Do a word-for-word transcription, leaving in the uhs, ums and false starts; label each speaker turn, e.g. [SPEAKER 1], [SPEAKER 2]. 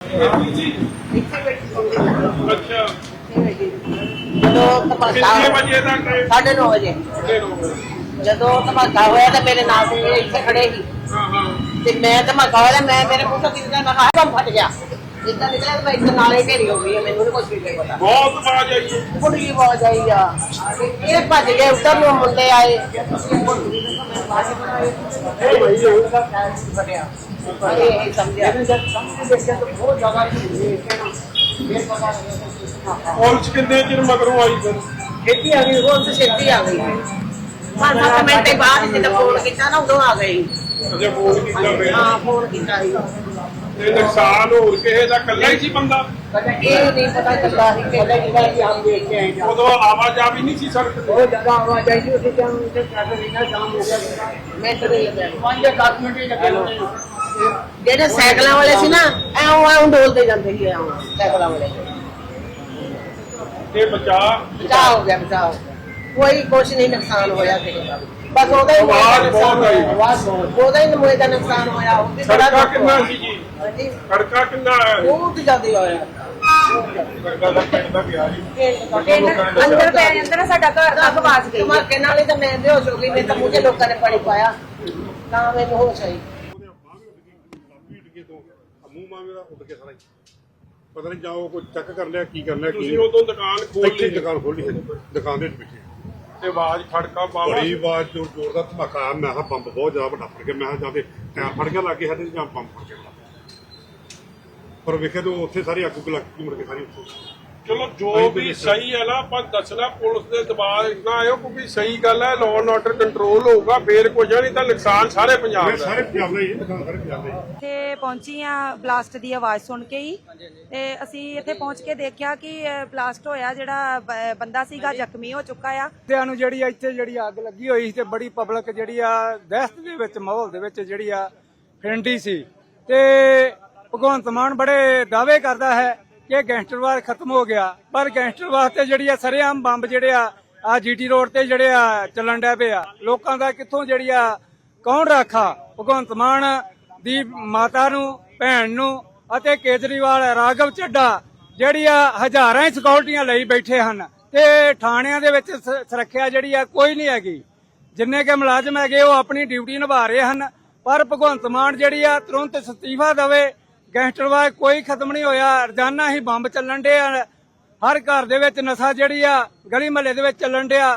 [SPEAKER 1] अच्छा
[SPEAKER 2] जो धमाका
[SPEAKER 1] बजे तक
[SPEAKER 2] साढ़े नौ बजे जो धमाका होया तो मेरे नाल इतने खड़े ही ते मैं धमाका होया मैं मेरे मुंह तो निकला मैं कहा बम फट गया जितना निकला तो मैं इतना नाले ढेरी हो गई है मैंने कुछ भी नहीं पता
[SPEAKER 1] बहुत आवाज आई है
[SPEAKER 2] बड़ी आवाज आई आ ये भज गए उधर नु मुंडे आए अरे समझा बहुत ज्यादा
[SPEAKER 1] पुलिस कितने चिर मगरों आई फिर
[SPEAKER 2] खेती आ गई वो तो खेती आ गई पांच सात मिनट के बाद जब फोन किया ना उदो आ गई
[SPEAKER 1] अजे फोन कीता फिर
[SPEAKER 2] हाँ फोन किया
[SPEAKER 1] ते नुकसान होर किसे दा कल्ला ही सी बंदा
[SPEAKER 2] ये नहीं पता चलता है कि कि हम देख के आए
[SPEAKER 1] उदो आवाजावी नहीं सी सड़क ते
[SPEAKER 2] बहुत ज्यादा आवाज आई थी उसी टाइम से ट्रैफिक इतना जाम हो गया मैं तो नहीं लगा पांच या दस मिनट ही लगे ਜਿਹੜੇ ਸਾਈਕਲਾਂ ਵਾਲੇ ਸੀ ਨਾ ਐਉਂ ਐਉਂ ਡੋਲਦੇ ਜਾਂਦੇ ਸੀ ਐਉਂ ਸਾਈਕਲਾਂ ਵਾਲੇ
[SPEAKER 1] ते बचा
[SPEAKER 2] बचाव हो गया बचाव हो गया कोई कुछ नहीं नुकसान होया किसी का बस ओदा ही
[SPEAKER 1] आवाज बहुत आई
[SPEAKER 2] आवाज बहुत ओदा ही मोए का नुकसान होया वो भी बड़ा
[SPEAKER 1] सड़का कितना सी जी
[SPEAKER 2] जी
[SPEAKER 1] सड़का कितना है
[SPEAKER 2] बहुत ज्यादा होया
[SPEAKER 1] सड़का दा पिंड दा गया जी
[SPEAKER 2] अंदर पे अंदर साडा घर दा आवाज गई धमाके नाल ही तो मैं बेहोश हो गई मैं तो मुझे लोगों ने पानी पाया ना मैंने होश आई
[SPEAKER 1] ਮੂੰਹ ਮਾਂ ਮੇਰਾ ਉੱਡ ਕੇ ਸਾਰਾ
[SPEAKER 3] ਪਤਾ ਨਹੀਂ ਜਾਓ ਕੋਈ ਚੈੱਕ ਕਰ ਲਿਆ ਕੀ ਕਰਨਾ ਕੀ
[SPEAKER 1] ਤੁਸੀਂ ਉਦੋਂ ਦੁਕਾਨ ਖੋਲ
[SPEAKER 3] ਇੱਥੇ
[SPEAKER 1] ਲਈ
[SPEAKER 3] ਦੁਕਾਨ ਖੋਲੀ ਹੈ ਦੁਕਾਨ ਦੇ ਵਿੱਚ ਬੈਠੇ
[SPEAKER 1] ਤੇ ਆਵਾਜ਼ ਖੜਕਾ ਬਾਵਾ
[SPEAKER 3] ਬੜੀ ਆਵਾਜ਼ ਜ਼ੋਰ ਜ਼ੋਰ ਦਾ ਧਮਾਕਾ ਆਇਆ ਮੈਂ ਕਿਹਾ ਬੰਬ ਬਹੁਤ ਜ਼ਿਆਦਾ ਵੱਡਾ ਫੜ ਗਿਆ ਮੈਂ ਕਿਹਾ ਜਾ ਕੇ ਟਾਇਰ ਫੜ ਗਿਆ ਲੱਗੇ ਸਾਡੇ ਜਾਂ ਬੰਬ ਫੜ ਗਿਆ ਪਰ ਵੇਖੇ ਤਾਂ ਉੱਥੇ ਸਾਰੀ ਅੱਗ ਲੱਗ ਮੁੜ ਕੇ ਸਾਰੀ ਉੱਥੇ
[SPEAKER 1] ਚਲੋ ਜੋ ਵੀ ਸਹੀ ਹੈ ਨਾ ਆਪਾਂ ਦੱਸਣਾ ਪੁਲਿਸ ਦੇ ਦਬਾਅ ਨਾ ਆਇਓ ਕਿਉਂਕਿ ਸਹੀ ਗੱਲ ਹੈ ਲਾਅ ਐਂਡ ਆਰਡਰ ਕੰਟਰੋਲ ਹੋਊਗਾ ਫੇਰ ਕੁਝ ਨਹੀਂ ਤਾਂ ਨੁਕਸਾਨ ਸਾਰੇ ਪੰਜਾਬ ਦਾ
[SPEAKER 3] ਸਾਰੇ ਪੰਜਾਬ ਦਾ ਹੀ ਦੁਕਾਨ ਸਾਰੇ ਪੰਜਾਬ ਦਾ ਹੀ
[SPEAKER 4] ਇੱਥੇ ਪਹੁੰਚੀ ਆ ਬਲਾਸਟ ਦੀ ਆਵਾਜ਼ ਸੁਣ ਕੇ ਹੀ ਤੇ ਅਸੀਂ ਇੱਥੇ ਪਹੁੰਚ ਕੇ ਦੇਖਿਆ ਕਿ ਬਲਾਸਟ ਹੋਇਆ ਜਿਹੜਾ ਬ- ਬੰਦਾ ਸੀਗਾ ਜ਼ਖਮੀ ਹੋ ਚੁੱਕਾ ਆ
[SPEAKER 5] ਤੇ ਨੂੰ ਜਿਹੜੀ ਇੱਥੇ ਜਿਹੜੀ ਅੱਗ ਲੱਗੀ ਹੋਈ ਸੀ ਤੇ ਬੜੀ ਪਬਲਿਕ ਜਿਹੜੀ ਆ ਦਹਿਸ਼ਤ ਦੇ ਵਿੱਚ ਮਾਹੌਲ ਦੇ ਵਿੱਚ ਜਿਹੜੀ ਆ ਫਿਰੰਡੀ ਸੀ ਤੇ ਭਗਵੰਤ ਮਾਨ ਬੜੇ ਦਾਅਵੇ ਕਰਦਾ ਹੈ ਕਿ ਗੈਂਗਸਟਰਵਾਦ ਖਤਮ ਹੋ ਗਿਆ ਪਰ ਗੈਂਗਸਟਰਵਾਦ ਤੇ ਜਿਹੜੀ ਆ ਸਰੇਆਮ ਬੰਬ ਜਿਹੜੇ ਆ ਆ ਜੀਟੀ ਰੋਡ ਤੇ ਜਿਹੜੇ ਆ ਚੱਲਣ ਡੈ ਪਏ ਆ ਲੋਕਾਂ ਦਾ ਕਿੱਥੋਂ ਜਿਹੜੀ ਆ ਕੌਣ ਰਾਖਾ ਭਗਵੰਤ ਮਾਨ ਦੀ ਮਾਤਾ ਨੂੰ ਭੈਣ ਨੂੰ ਅਤੇ ਕੇਜਰੀਵਾਲ ਰਾਘਵ ਚੱਡਾ ਜਿਹੜੀ ਆ ਹਜ਼ਾਰਾਂ ਹੀ ਸਿਕਿਉਰਟੀਆਂ ਲਈ ਬੈਠੇ ਹਨ ਤੇ ਥਾਣਿਆਂ ਦੇ ਵਿੱਚ ਸੁਰੱਖਿਆ ਜਿਹੜੀ ਆ ਕੋਈ ਨਹੀਂ ਹੈਗੀ ਜਿੰਨੇ ਕੇ ਮੁਲਾਜ਼ਮ ਹੈਗੇ ਉਹ ਆਪਣੀ ਡਿਊਟੀ ਨਿਭਾ ਰਹੇ ਹਨ ਪਰ ਭਗਵੰਤ ਮਾਨ ਜਿਹੜੀ ਆ ਤੁਰੰਤ ਅਸਤੀਫਾ ਦੇਵੇ ਗੈਂਗਸਟਰਵਾਦ ਕੋਈ ਖਤਮ ਨਹੀਂ ਹੋਇਆ ਰੋਜ਼ਾਨਾ ਹੀ ਬੰਬ ਚੱਲਣ ਡਿਆ ਹਰ ਘਰ ਦੇ ਵਿੱਚ ਨਸ਼ਾ ਜਿਹੜੀ ਆ ਗਲੀ ਮਹੱਲੇ ਦੇ ਵਿੱਚ ਚੱਲਣ ਡਿਆ